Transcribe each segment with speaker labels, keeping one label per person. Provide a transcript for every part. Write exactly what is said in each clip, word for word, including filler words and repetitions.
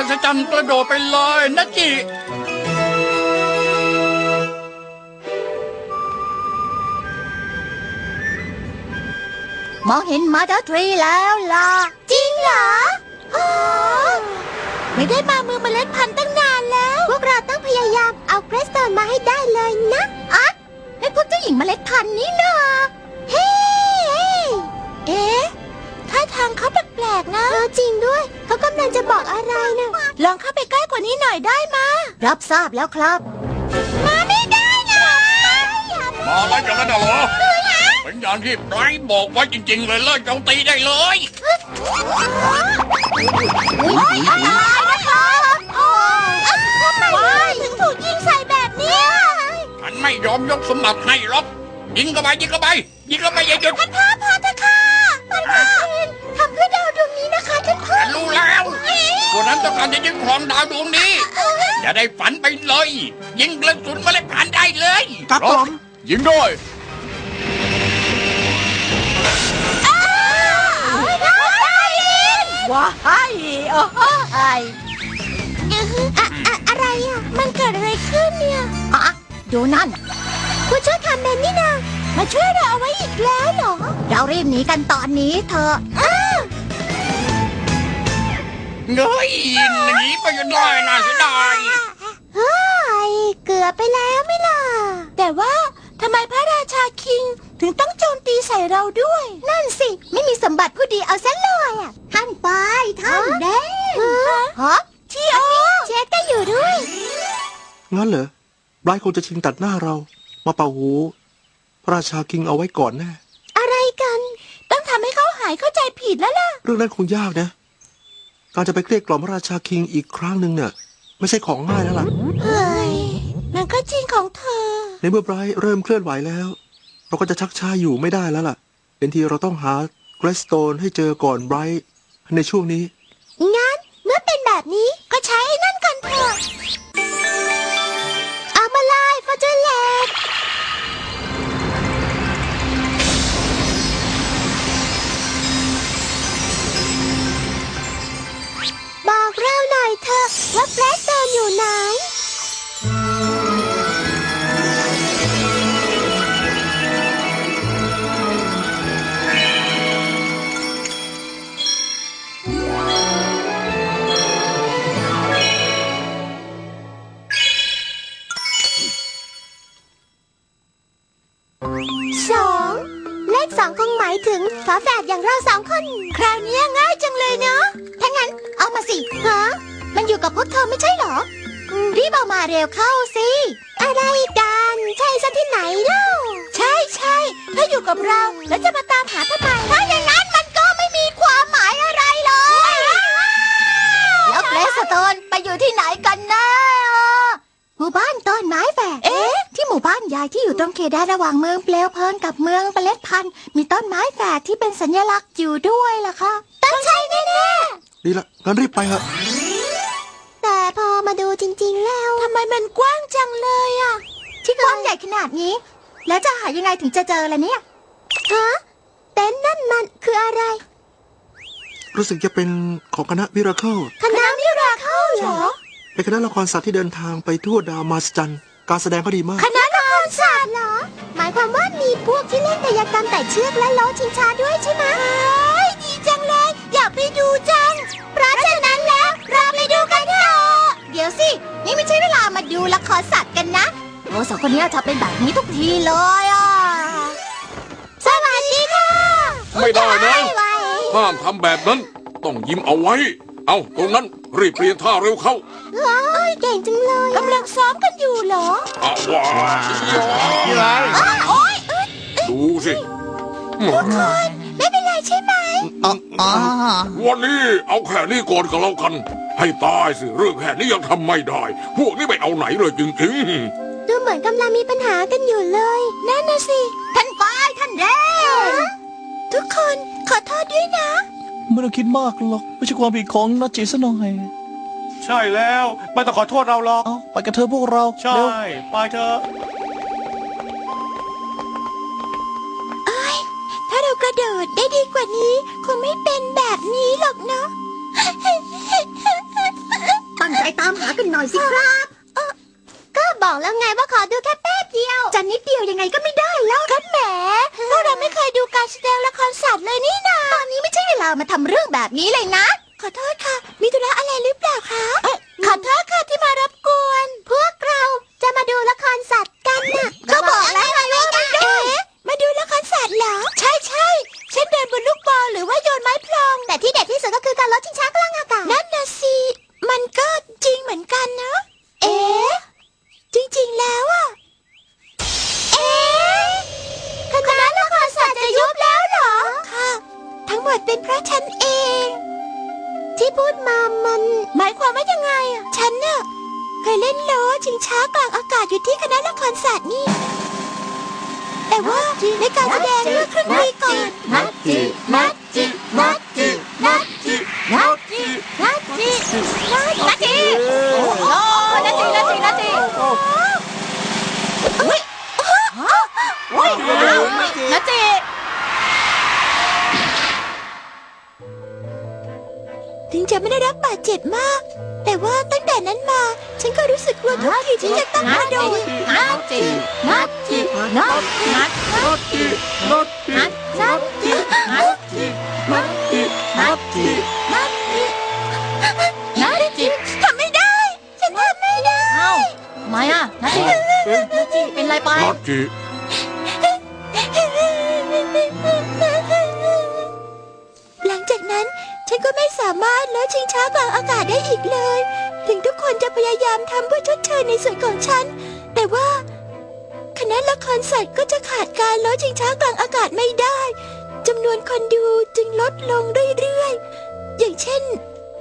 Speaker 1: หัศจรรย์กระโดดไปเลยนะจิ
Speaker 2: มองเห็นมาเตอร์ทรีแล้วล่ะจริงเหรอโอ้ไม่ได้มาเมืองเมล็ดพันธุ์ตั้งนานแล้วพวกเราต้องพยายามเอาเกรสโตนมาให้ได้เลยนะอ๊ะให้พวกเจ้าหญิงเมล็ดพันธุ์นี่นะเฮ้เอ๊ะท่าทางเขาแปลกๆนะจริงด้วยเขากำลังจะบอกอะไรนะลองเข้าไปใกล้กว่านี้หน่อยได้มารับทราบแล้วครับมาไม่ได้นะ
Speaker 1: มาอะไรอย่างนั้นเหรอเป็นอย่างที่ไบรท์บอกไว้จริงๆเลยเลิกโจมตีได้เลย
Speaker 2: ทำไมถึงถูกยิงใส่แบบนี้
Speaker 1: ฉันไม่ยอมยกสมบัติให้หรอกยิงเข้าไปยิงเข้าไปยิงเข้าไปอย่าหยุด
Speaker 2: ท่านพ่อพอเถอะค่ะท่านพ่อทำเพื่อดาวดวงนี้นะคะท่านพ่อ
Speaker 1: ฉันรู้แล้วพวกนั้นต้องการจะยิงครองดาวดวงนี้อย่าได้ฝันไปเลยยิงกระสุนเมล็ดพันธุ์ได้เลย
Speaker 3: ครับผม
Speaker 1: ยิงด้วย
Speaker 2: ว้ายโอ้ยอะอะอะไรอ่ะมันเกิดอะไรขึ้นเนี่ยอะดูนั่นผู้ช่วยคาเมนนี่นะมาช่วยเราเอาไว้อีกแล้วเหรอเรารีบหนีกันตอนนี้เถอะ
Speaker 1: เงยหนีไปกันได้น่าเสียดาย
Speaker 2: เฮ้ยเกือบไปแล้วไม่ล่ะแต่ว่าทำไมพระราชาคิงถึงต้องโจมตีใส่เราด้วยนั่นสิไม่มีสมบัติผู้ดีเอาซะเลยอ่ะท่านไปท่านแดงฮะที่โอเช็คก็อยู่ด้วย
Speaker 3: งั้นเหรอไบรท์คงจะชิงตัดหน้าเรามาเป่าหูพระราชาคิงเอาไว้ก่อนแน่
Speaker 2: อะไรกันต้องทำให้เขาหายเข้าใจผิดแล้วล่ะ
Speaker 3: เรื่องนั้นคงยากนะการจะไปเกลี้ยกล่อมพระราชาคิงอีกครั้งหนึ่งเนี่ยไม่ใช่ของง่ายแล้วล่ะ
Speaker 2: เฮ้ยมันก็จริงของเธอ
Speaker 3: ในเมื่อไบรท์เริ่มเคลื่อนไหวแล้วเราก็จะชักช้าอยู่ไม่ได้แล้วล่ะเป็นทีเราต้องหาเกรสโตนให้เจอก่อนไบรท์ในช่วงนี้
Speaker 2: งั้นเมื่อเป็นแบบนี้ก็ใช้ไอ้นั่นกันเถอะเอามาไล่ฟอร์จูเนตบอกเราหน่อยเถอะว่าเกรสโตนอยู่ไหนสองเลขสองคงหมายถึงฝาแฝดอย่างเราสองคนคราวนี้ง่ายจังเลยเนาะถ้างั้นเอามาสิฮะมันอยู่กับพวกเธอไม่ใช่เหรอรีบเอามาเร็วเข้าสิอะไรกันใช่ซะที่ไหนเล่าใช่ใช่ถ้าอยู่กับเราแล้วจะมาตามหาทำไมถ้าอย่างนั้นมันก็ไม่มีความหมายอะไรเลยแล้วเกรสโตนไปอยู่ที่ไหนกันนะหมู่บ้านต้นไม้แฝดเอ๊ะที่หมู่บ้านยายที่อยู่ตรงเขตแดนระหว่างเมืองเปลวเพลิงกับเมืองเมล็ดพันธุ์มีต้นไม้แฝดที่เป็นสัญลักษณ์อยู่ด้วยล่ะค่ะต้องใช่แน่
Speaker 3: ๆดีละงั้นรีบไปเถอะ
Speaker 2: แต่พอมาดูจริงๆแล้วทำไมมันกว้างจังเลยอ่ะที่กว้างใหญ่ขนาดนี้แล้วจะหายังไงถึงจะเจอล่ะเนี่ยฮะเต็นท์นั่นมันคืออะไร
Speaker 3: รู้สึกจะเป็นของคณะมิราเคิล
Speaker 2: คณะมิราเคิลเหรอ
Speaker 3: เป็นคณะละครสัตว์ที่เดินทางไปทั่วดาวมาสจันการแสดงก็ดีมาก
Speaker 2: คณะละครสัตว์เหรอหมายความว่ามีพวกที่เล่นกายกรรมไต่เชือกและล้อชิงช้าด้วยใช่ไหมดีจังเลยอยากไปดูจังเพราะฉะนั้นแล้วเราไปดูกันเถอะเดี๋ยวสินี่ไม่ใช่เวลามาดูละครสัตว์กันนะโอ้สองคนนี้ชอบเป็นแบบนี้ทุกทีเลยอ่ะสวัสดีค่ะ
Speaker 1: ไม่ได้นะห้ามทำแบบนั้นต้องยิ้มเอาไว้เอาตรงนั้นรีบเปลี่ยนท่าเร็วเข้า
Speaker 2: ว้าวเก่งจังเลยกำลังซ้อมกันอยู่เหรอ
Speaker 1: อ้าวว้าว
Speaker 2: นี่ไร
Speaker 1: ดูสิ
Speaker 2: ทุกคนไม่เป็นไรใช่ไหม
Speaker 1: วันนี้เอาแค่นี้ก่อนก็แล้วกันให้ตายสิเรื่องแค่นี้ยังทำไม่ได้พวกนี้ไม่เอาไหนเลยจริง
Speaker 2: ๆดูเหมือนกำลังมีปัญหากันอยู่เลยนั่นน่ะสิท่านป้ายท่านแดงทุกคนขอโทษด้วยนะ
Speaker 4: ไม่ต้องคิดมากหรอกไม่ใช่ความผิดของนัจจิซะหน่อย
Speaker 5: ใช่แล้วไม่ต้องขอโทษเราหรอก
Speaker 4: เอาไปกับเธอพวกเรา
Speaker 5: ใช่ไปเถอะ
Speaker 2: เอ้ยถ้าเรากระโดดได้ดีกว่านี้คงไม่เป็นแบบนี้หรอกเนาะหน่อยสิครับเออก็บอกแล้วไงว่าขอดูแค่แป๊บเดียวจะนิดเดียวยังไงก็ไม่ได้แล้วกันแหมพวกเราไม่เคยดูการแสดงละครสัตว์เลยนี่นาตอนนี้ไม่ใช่เวลามาทำเรื่องแบบนี้เลยนะขอโทษค่ะมีธุระอะไรหรือเปล่าคะขอโทษค่ะที่มารบกวนพวกเราจะมาดูละครสัตว์กันน่ะก็บอกแล้วไงว่าไม่ได้มาดูละครสัตว์เหรอใช่ใช่เช่นเดินบนลูกบอลหรือว่าโยนไม้พลองแต่ที่เด็ดที่สุดก็คือการลดชิงช้ากลางอากาศนั่นนะสิมันก็จริงเหมือนกันนะเอ๊ะจริงๆแล้วอะเอ๊ะคณะละครสัตว์จะยุบแล้วเหรอค่ะทั้งหมดเป็นเพราะฉันเองที่พูดมามันหมายความว่ายังไงอะฉันน่ะเคยเล่นโลชิงช้ากลางอากาศอยู่ที่คณะละครสัตว์นี่แต่ว่าในการแสดงเมื่อครึ่งปีก่อนนัดจินัดจินัดจินัดจินัดจินัดจินัดจิโอ้โหนัดจินัดจินัดจิอุ้ยอุ้ยนัดจิถึงจะไม่ได้รับบาดเจ็บมากแต่ว่าตั้งแต่นั้นมาฉันก็รู้สึกกลัวทุกทีที่จะต้องกระโดดนัดจินัดจินัดจินัดจินัดจินัดจินัดจินัดจินัดจินัดจินัดจิทำไม่ได้ฉันทำไม่ได้เอ้าทำไมอ่ะนัดจินัดจิเป็นไรไป
Speaker 1: นัดจิ
Speaker 2: หลังจากนั้นฉันก็ไม่สามารถลดชิงช้ากลางอากาศได้อีกเลยถึงทุกคนจะพยายามทำเพื่อชดเชยในส่วนของฉันแต่ว่าคณะละครสัตว์ก็จะขาดการลดชิงช้ากลางอากาศไม่ได้จำนวนคนดูจึงลดลงเรื่อยๆอย่างเช่น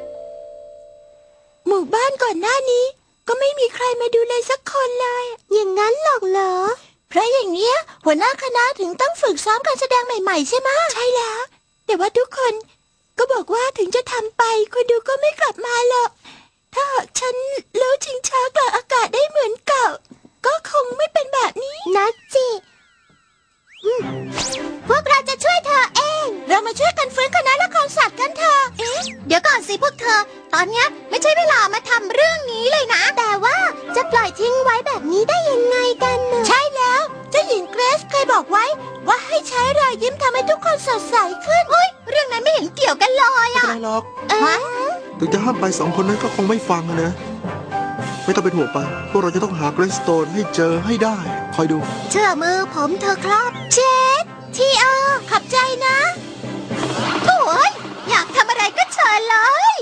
Speaker 2: หมู่บ้านก่อนหน้านี้ก็ไม่มีใครมาดูเลยสักคนเลยอย่างนั้นหรอกเหรอเพราะอย่างเนี้ยหัวหน้าคณะถึงต้องฝึกซ้อมการแสดงใหม่ๆใช่ไหมใช่แล้วแต่ว่าทุกคนก็บอกว่าถึงจะทำไปคนดูก็ไม่กลับมาหรอกถ้าหากฉันเล้วชิงช้ากลางอากาศได้เหมือนเก่าก็คงไม่เป็นแบบนี้นะจิพวกเราจะช่วยเธอเองเรามาช่วยกันฟื้นคณะละครสัตว์กันเถอะเอ๊ะเดี๋ยวก่อนสิพวกเธอตอนนี้ไม่ใช่เวลามาทำเรื่องนี้เลยนะแต่ว่าจะปล่อยทิ้งไว้แบบนี้ได้ยังไงกันใช่แล้วเจ้าหญิงเกรซเคยบอกไว้ว่าให้ใช้รอยยิ้มทำให้ทุกคนสดใสขึ้นเฮ้ยเรื่องนั้นไม่เห็นเกี่ยวกันเลย
Speaker 3: ไม่
Speaker 2: อ่ะ
Speaker 3: เป็นไรหรอก
Speaker 2: เอ๊ะ
Speaker 3: ถึงจะห้ามไปสองคนนั้นก็คงไม่ฟังอะนะ ไม่ต้องเป็นห่วงไป พวกเราจะต้องหาเกรสโตนให้เจอให้ได้ คอยดู
Speaker 2: เชื่อมือผมเธอครับเช็ดทีเออขับใจนะโอ้ยอยากทำอะไรก็เชิญเลย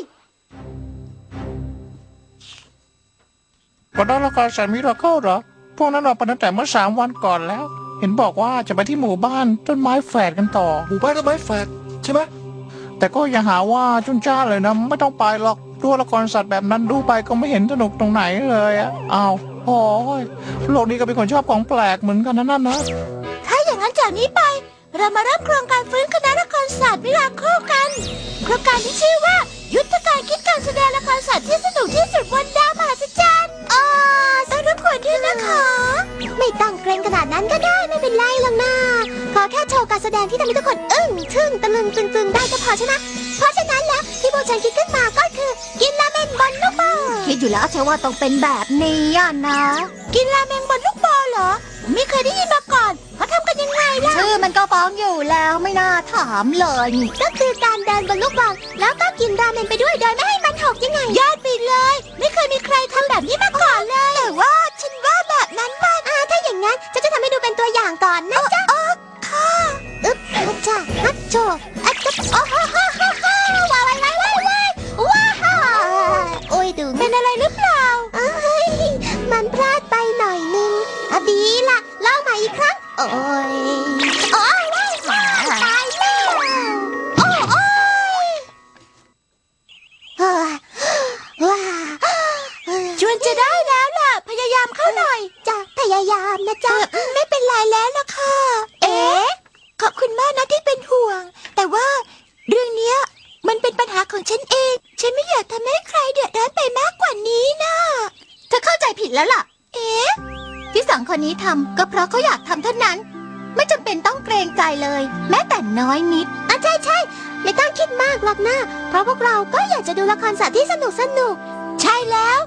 Speaker 4: คณะละครสัตว์มิราเคิลเหรอพวกนั้นออกไปตั้งแต่เมื่อสามวันก่อนแล้ว เห็นบอกว่าจะไปที่หมู่บ้านต้นไม้แฝดกันต่อ
Speaker 3: หมู่บ้านต้นไม้แฝดใช่ไหม
Speaker 4: แต่ก็อย่าหาว่าจุนจ้าเลยนะไม่ต้องไปหรอกดูละครสัตว์แบบนั้นดูไปก็ไม่เห็นสนุกตรงไหนเลยอะอ้าวโอ้ยโลกนี้ก็เป็นคนชอบของแปลกเหมือนกันนะนั่นนะ
Speaker 2: ถ้าอย่างนั้นจากนี้ไป เรามาเริ่มโครงการฟื้นคณะละครศาสตร์มิราเคิลกันโครงการที่ชื่อว่ายุทธการคิดการแสดงละครศาสตร์ที่สนุกที่สุดบนดาวมหัศจรรย์อ๋อต้องรบกวนด้วยนะคะไม่ต้องเกรงขนาดนั้นก็ได้ไม่เป็นไรหรอกนะขอแค่โชว์การแสดงที่ทำให้ทุกคนอึ้งทึ่งตะลึงตึงๆได้ก็พอใช่ไหมเพราะฉะนั้นแล้วที่พวกฉันคิดขึ้นมาก็คือกินราเมงบนลูกบอลคิดอยู่แล้วใช่ว่าต้องเป็นแบบนี้อ่ะนะกินราเมงบนลูกบอลเหรอไม่เคยได้ยินมาก่อนเขาทำกันยังไงล่ะชื่อมันก็ฟ้องอยู่แล้วไม่น่าถามเลยก็คือการเดินบนลูกบอลแล้วก็กินราเมงไปด้วยโดยไม่ให้มันหกยังไงยอดไปเลยไม่เคยมีใครทำแบบนี้มาก่อนเลยแต่ว่าฉันว่าแบบนั้นมันอ่าถ้าอย่างนั้นฉันจะทำให้ดูเป็นตัวอย่างก่อนนะจ๊ะอ๋อค่ะอึ๊บอัจฉาอัจโจอัจจ๊บอ๋อฮ่าฮ่าฮ่าฮ่าว้าวว้าวว้าวว้าวว้าวโอ้ยดูเป็นอะไรหรือเปล่าเอ้ยมันพลาดไปหน่อยนึงอ่ะดีล่ะเล่าใหม่อีกครั้งโอ้ยโอ้ยว้าวตายแล้วโอ้ยโอ้ยเฮ้ยว้าชวนจะได้แล้วล่ะพยายามเข้าหน่อยจ้ะพยายามนะจ๊ะไม่เป็นไรแล้วล่ะค่ะเอ๊ะขอบคุณมากนะที่เป็นห่วงแต่ว่าเรื่องเนี้ยมันเป็นปัญหาของฉันเองฉันไม่อยากทำให้ใครเดือดร้อนไปมากกว่านี้นะเธอเข้าใจผิดแล้วล่ะเอ๊ะที่สองคนนี้ทำก็เพราะเขาอยากทำเท่านั้นไม่จำเป็นต้องเกรงใจเลยแม้แต่น้อยนิดอ่ะใช่ใช่ไม่ต้องคิดมากหรอกนะเพราะพวกเราก็อยากจะดูละครสัตว์ที่สนุกสนุกใช่แล้ว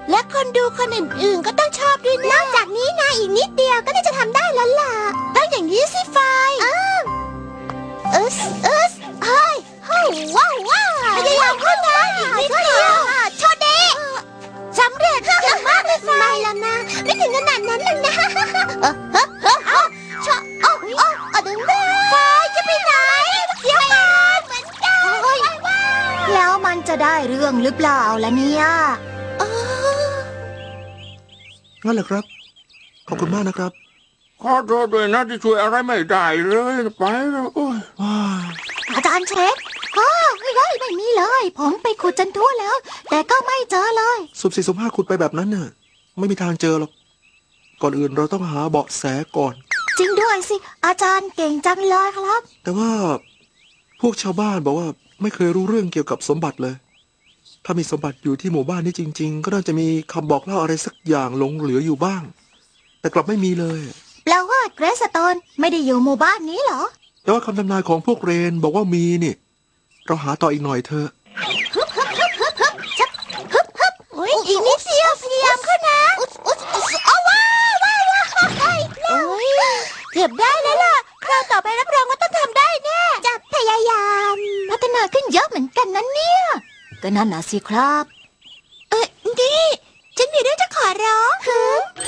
Speaker 2: และคนดูคนอื่นๆก็ต้องชอบด้วยนะนอกจากนี้นะอีกนิดเดียวก็น่าจะทำได้แล้วล่ะต้องอย่างนี้สิไฟเออเอสเอสเฮ้ยเฮ้ยว้าวว้าวพยายามขึ้นนะอีกนิดเดียวโชเดสำเร็จเก่งมากเลยไฟไม่แล้วนะไม่ถึงขนาดนั้นหรอกนะเออเออเออเออชอโอ้โอ้เอาดึงได้ไฟจะไปไหนเดี๋ยวก่อนเหมือนกันแล้วมันจะได้เรื่องหรือเปล่าล่ะเนี่ยเออ
Speaker 3: งั้นเหรอครับ ขอบคุณมากนะครับ
Speaker 1: ขอโทษด้วยนะที่ช่วยอะไรไม่ได้เลยไปแล้วโอ้ย
Speaker 3: ว้า
Speaker 2: อาจารย์เช็คอ๋อไม่ได้ไม่มีเลย ผมไปขุดจนทั่วแล้ว แต่ก็ไม่เจอเลย
Speaker 3: สุ่มสี่สุ่มห้าขุดไปแบบนั้นน่ะไม่มีทางเจอหรอก ก่อนอื่นเราต้องหาเบาะแสก่อน
Speaker 2: จริงด้วยสิ อาจารย์เก่งจังเลยครับ
Speaker 3: แต่ว่าพวกชาวบ้านบอกว่าไม่เคยรู้เรื่องเกี่ยวกับสมบัติเลย ถ้ามีสมบัติอยู่ที่หมู่บ้านนี้จริง ๆ ก็น่าจะมีคำบอกเล่าอะไรสักอย่างหลงเหลืออยู่บ้าง แต่กลับไม่มีเลย
Speaker 2: แปลว่าเกรซสโตนไม่ได้อยู่หมู่บ้านนี้เหรอ
Speaker 3: แต่ว่าคำทำนายของพวกเรนบอกว่ามีนี่ เราหาต่ออีกหน่อยเถอะ
Speaker 2: ฮึบฮึบฮึบฮึบฮึบชับฮึบฮึบอุ๊ยอีกนิดเดียวพยายามขึ้นนะอุ๊ยอุ๊ยอุ๊ยเอาว้าวว้าวว้าวโอ้ยเกือบได้แล้วล่ะ คราวต่อไปรับรองว่าต้องทำได้แน่จะพยายามพัฒนาขึ้นเยอะเหมือนกันนะเนี่ยก็นั่นน่ะสิครับ เออนี่ฉันมีเรื่องจะขอร้องคือ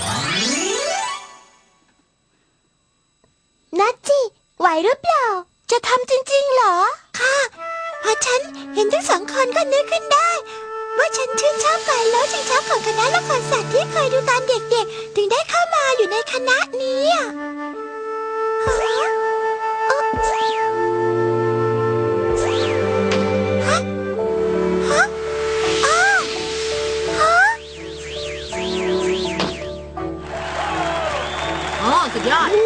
Speaker 2: นัทจิไหวหรือเปล่า จะทำจริงๆเหรอ ค่ะพอฉันเห็นทั้งสองคนก็นึกขึ้นได้ ว่าฉันชื่นชอบการล้อชิงช้าของคณะละครสัตว์ที่เคยดูตอนเด็กๆ ถึงได้เข้ามาอยู่ในคณะนี้อะฮะเอ่อฮะฮะอ้าวฮะ
Speaker 6: อ๋อสุดยอด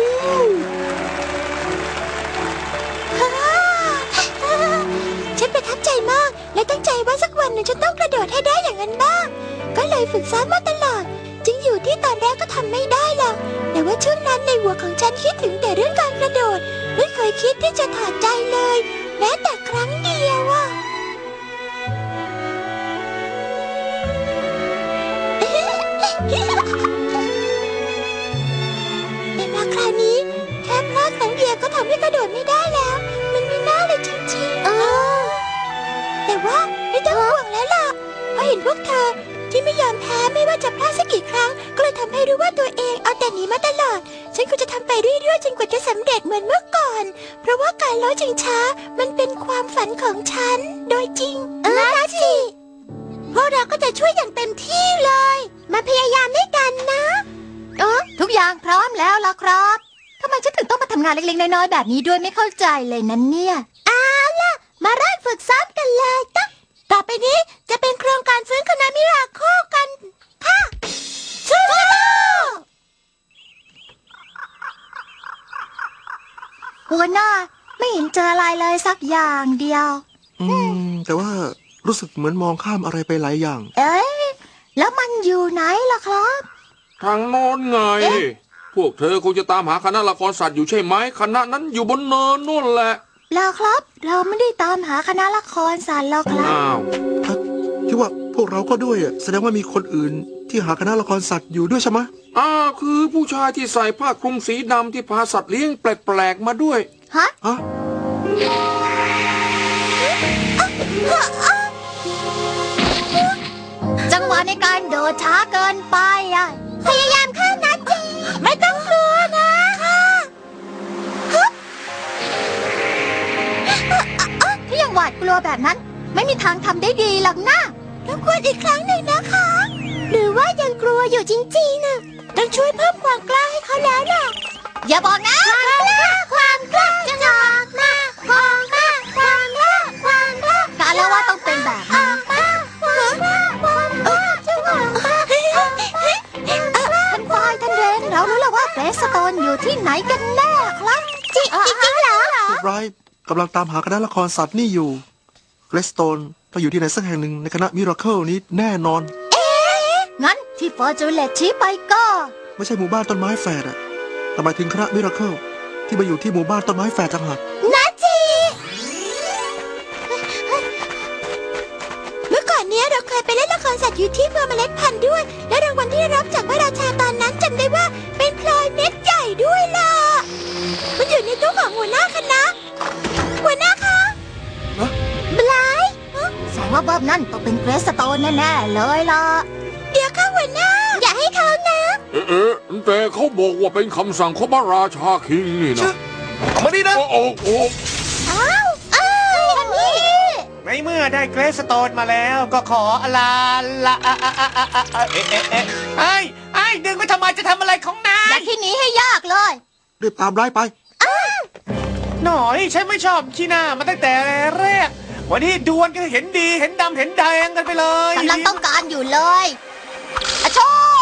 Speaker 2: ฉันประทับใจมาก และตั้งใจว่าสักวันหนึ่งฉันต้องกระโดดให้ได้อย่างนั้นบ้าง ก็เลยฝึกซ้อมมาตลอด จึงอยู่ที่ตอนแรกก็ทำไม่ได้หรอก แต่ว่าช่วงนั้นในหัวของฉันคิดถึงแต่เรื่องการกระโดด ไม่เคยคิดที่จะถอดใจเลย แม้แต่ครั้งเดียวอะ แต่มาคราวนี้แค่พลาดครั้งเดียวก็ทำให้กระโดดไม่ได้แล้ว มันไม่น่าเลยจริงๆเออแต่ว่าไม่ต้องห่วงแล้วล่ะเพราะเห็นพวกเธอที่ไม่ยอมแพ้ไม่ว่าจะพลาดสักกี่ครั้ง ก็เลยทำให้รู้ว่าตัวเองเอาแต่หนีมาตลอด ฉันก็จะทำไปเรื่อยๆจนกว่าจะสำเร็จเหมือนเมื่อก่อน เพราะว่าการล้อชิงช้ามันเป็นความฝันของฉันโดยจริงเออนะจิพวกเราก็จะช่วยอย่างเต็มที่เลย มาพยายามด้วยกันนะเออทุกอย่างพร้อมแล้วล่ะครับทำไมฉันถึงต้องมาทำงานเล็กๆน้อยๆแบบนี้ด้วยไม่เข้าใจเลยนั้นเนี่ยเอาล่ะมาเริ่มฝึกซ้อมกันเลยตั้งต่อไปนี้จะเป็นโครงการฟื้นคณะมิราโคกันค่ะสู้หัวหน้าไม่เห็นเจออะไรเลยสักอย่างเดียว
Speaker 3: อืม แต่ว่ารู้สึกเหมือนมองข้ามอะไรไปหลายอย่าง
Speaker 2: เอ๊ะแล้วมันอยู่ไหนล่ะครับ
Speaker 1: ทางโน้นไง พวกเธอคงจะตามหาคณะละครสัตว์อยู่ใช่ไหมคณะนั้นอยู่บนเนินนู่นแหละ
Speaker 2: แล้วครับ เราไม่ได้ตามหาคณะละครสัตว์หรอกครับ
Speaker 1: อ้าว
Speaker 3: ที่ว่าพวกเราก็ด้วยอ่ะแสดงว่ามีคนอื่นที่หาคณะละครสัตว์อยู่ด้วยใช่ไหม
Speaker 1: อ่าคือผู้ชายที่ใส่ผ้าคลุมสีดำที่พาสัตว์เลี้ยงแปลกๆมาด้วย
Speaker 2: ฮะ
Speaker 3: ฮะ
Speaker 2: จังหวะในการโดดช้าเกินไปอ่ะ พยายามเข้านะจีไม่ต้องกลัวนะค่ะถ้ายังหวาดกลัวแบบนั้น ไม่มีทางทำได้ดีหรอกนะรบกวนอีกครั้งหนึ่งนะคะ หรือว่ายังกลัวอยู่จริงๆน่ะต้องช่วยเพิ่มความกล้าให้เขาแล้วล่ะ อย่าบอกนะความกล้าความกล้าจะออกมาความกล้าความกล้าความกล้าการละว่าต้องเป็นแบบนี้ความกล้าความกล้าจะออกมาท่านฟอยท่านเรนเรารู้แล้วว่าเกรซสโตนอยู่ที่ไหนกันแน่ครับจริงจริงเหรอ
Speaker 3: พวกไรกำลังตามหาคณะละครสัตว์นี่อยู่เกรสโตนต้องอยู่ที่ไหนสักแห่งหนึ่งในคณะมิราเคิลนี้แน่นอน
Speaker 2: งั้นที่ฟอร์จูเลตชี้ไปก็
Speaker 3: ไม่ใช่หมู่บ้านต้นไม้แฝดอะแต่หมายถึงคณะมิราเคิลที่มาอยู่ที่หมู่บ้านต้นไม้แฝดจังหาก
Speaker 2: นาจีเมื่อก่อนเนี้ยเราเคยไปเล่นละครสัตว์อยู่ที่เมืองเมล็ดพันธุ์ด้วย และรางวัลที่ได้รับจากพระราชาตอนนั้นจำได้ว่าเป็นพลอยเม็ดใหญ่ด้วยล่ะ มันอยู่ในตู้ของหัวหน้าคณะหัวหน้าคะบลายแสดงว่าเบิร์บนั่นต้องเป็นเกรสโตนแน่ๆเลยล่ะ เดี๋ยวค่ะหัวหน้า อย่าให้เขานะ
Speaker 1: เอ๊ะเอ๊ะแต่เขาบอกว่าเป็นคำสั่งของพระราชาคิงนี่นะ
Speaker 5: เอามานี่นะ
Speaker 1: โอ้โอ้โอ้
Speaker 2: อ้าวอ้าวอันนี้
Speaker 5: ในเมื่อได้เกรสโตนมาแล้วก็ขอลาละอะอะอะอะอะอะเอ๊ะเอ๊ะเอ๊ะไอ้ไอ้ดึงไปทำไมจะทำอะไรของนา
Speaker 2: อย่าย คิดหนีให้ยากเลย
Speaker 3: รีบตามไล่ไป
Speaker 5: หน่อยฉันไม่ชอบขี้หน้ามาตั้งแต่แรก วันนี้ดวลกันเห็นดีเห็นดำเห็นแดงกันไปเลย
Speaker 2: กำลังต้องการอยู่เลยอะโช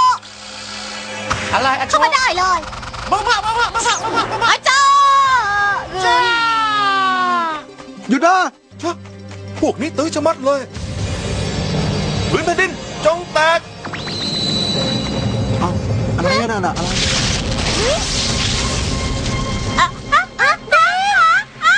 Speaker 5: อะไรอะโช
Speaker 2: เข้ามาได้เลย
Speaker 5: มามามามามามามามามา
Speaker 2: อะโช
Speaker 5: จ้า
Speaker 3: หยุดนะ
Speaker 6: พวกนี้ตื้อชะมัดเลยพื้นแผ่นดินจงแตก
Speaker 3: เอาอะไรนั่นน่ะอะไร
Speaker 2: อะอะอะได้เหรออะ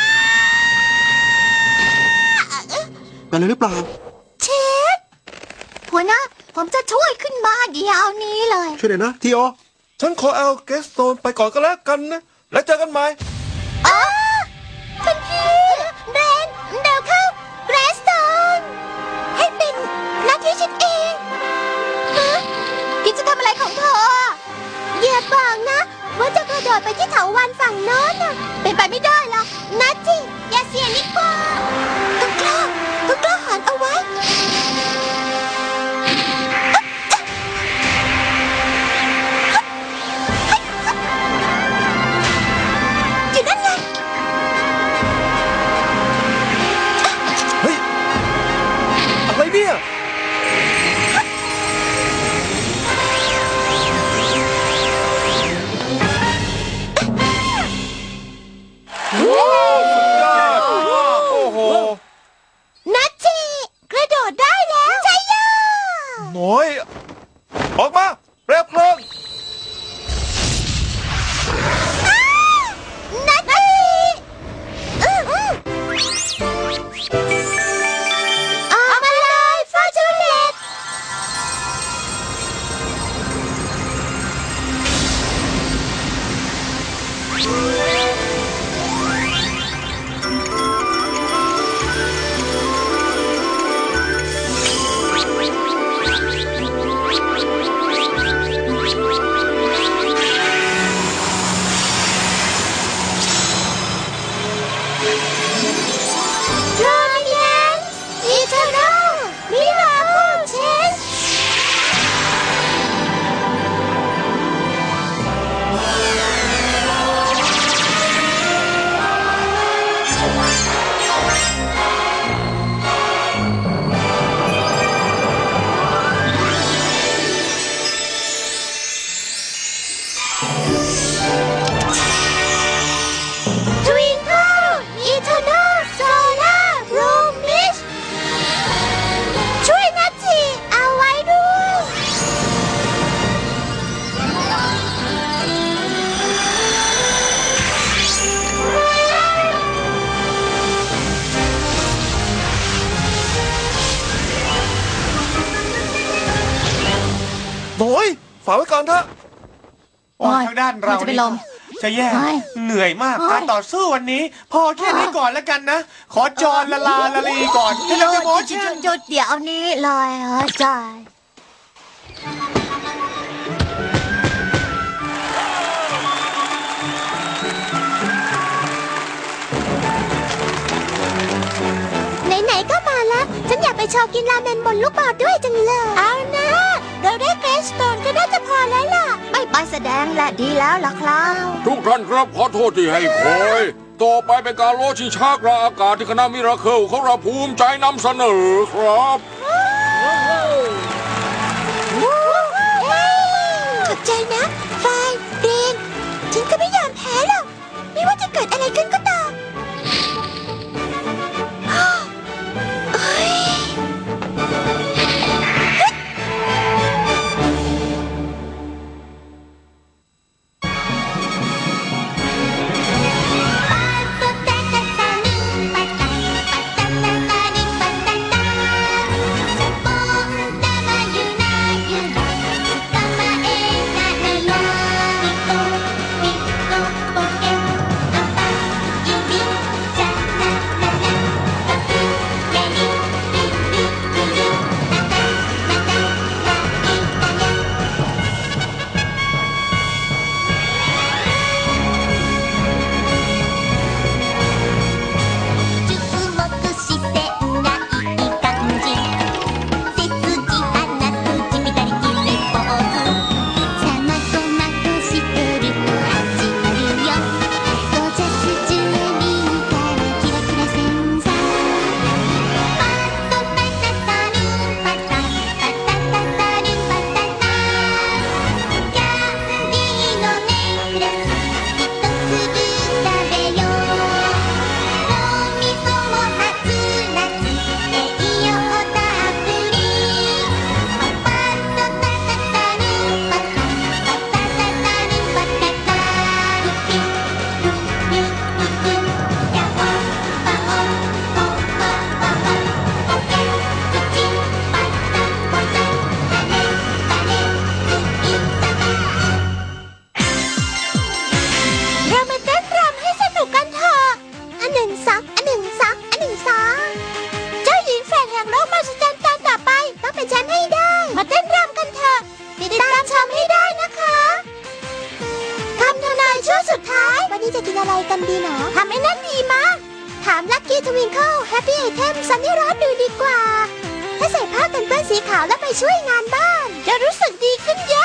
Speaker 3: เป็นอะไรหรือเปล่า
Speaker 2: เชฟหัวหน้าผมจะช่วยขึ้นมาเดี๋ยวนี้เลย
Speaker 3: ช่วยหน่อยนะทีโอ
Speaker 6: ฉันขอเอาเกสโตนไปก่อนก็แล้วกันนะ แล้วเจอกันใหม่
Speaker 2: อ๋อท่านพี่เรนเดี๋ยวเข้าเกรสตันให้เป็นหน้าที่ฉันเองฮะกินจะทำอะไรของเธออย่าบอกนะ ว่าจะกระโดดไปที่เถาวัลย์ฝั่งโน้นน่ะเป็นไปไม่ได้หรอกนะจิอย่าเสี่ยงดีกว่าต้องกล้าต้องกล้าหาญเอาไว้อยู่นั่นไง
Speaker 6: เฮ้ย อะไรเนี่ย
Speaker 5: โอ้โห
Speaker 2: นัทจิกระโดดได้แล้วใช่ยา
Speaker 6: น้อย ออกมาเปลวเพลิง
Speaker 2: นัทจิอื้ออื้อออกมาเลยฟอร์จูเนตโรมิแนนอีเทอร์โนมิราเคิลเชน Twinkle Eternal Solar Promise ช่วยนัทจิเอาไว้ด้วย
Speaker 6: น้อย ฝากไว้ก่อนเถอะ
Speaker 5: โอ้ยทางด้านเรา
Speaker 2: มันจะเป็นลม
Speaker 5: จะแย่
Speaker 2: โอ้ย
Speaker 5: เหนื่อยมาก
Speaker 2: โอ้ย
Speaker 5: การต่อสู้วันนี้ พอแค่นี้ก่อนแล้วกันนะ ขอจอนละลาละลีก่อนที่
Speaker 2: ห
Speaker 5: เรา
Speaker 2: ยุ
Speaker 5: จะ
Speaker 2: ด
Speaker 5: โม
Speaker 2: ห
Speaker 5: ชั่
Speaker 2: ยุ
Speaker 5: น
Speaker 2: ดหยุดเดี๋ยวนี้เลยเหรอจอยไหนๆก็มาแล้ว ฉันอยากไปโชว์กินราเมนบนลูกบอลด้วยจังเลย เอานะเราได้เกรสโตนก็น่าจะพอแล้วล่ะ ไม่ไปแสดงแหละดีแล้วล่ะครับ
Speaker 1: ทุกท่านครับขอโทษที่ให้คอย ต่อไปเป็นการโลชิงชากลางอากาศที่คณะมิราเคิลของเราภูมิใจนำเสนอครับ
Speaker 2: ขอบใจนะไฟเรนฉันก็ไม่ยอมแพ้หรอก ไม่ว่าจะเกิดอะไรขึ้นก็ตาม เอ้ย ปอะไรกันดีหนอทำไอ้นั่นดีมากถามลัคกี้ทวิงเกิลแฮปปี้ไอเทมซันนี่รัสดูดีกว่าถ้าใส่ผ้ากันเปื้อนสีขาวแล้วไปช่วยงานบ้านจะรู้สึกดีขึ้นเย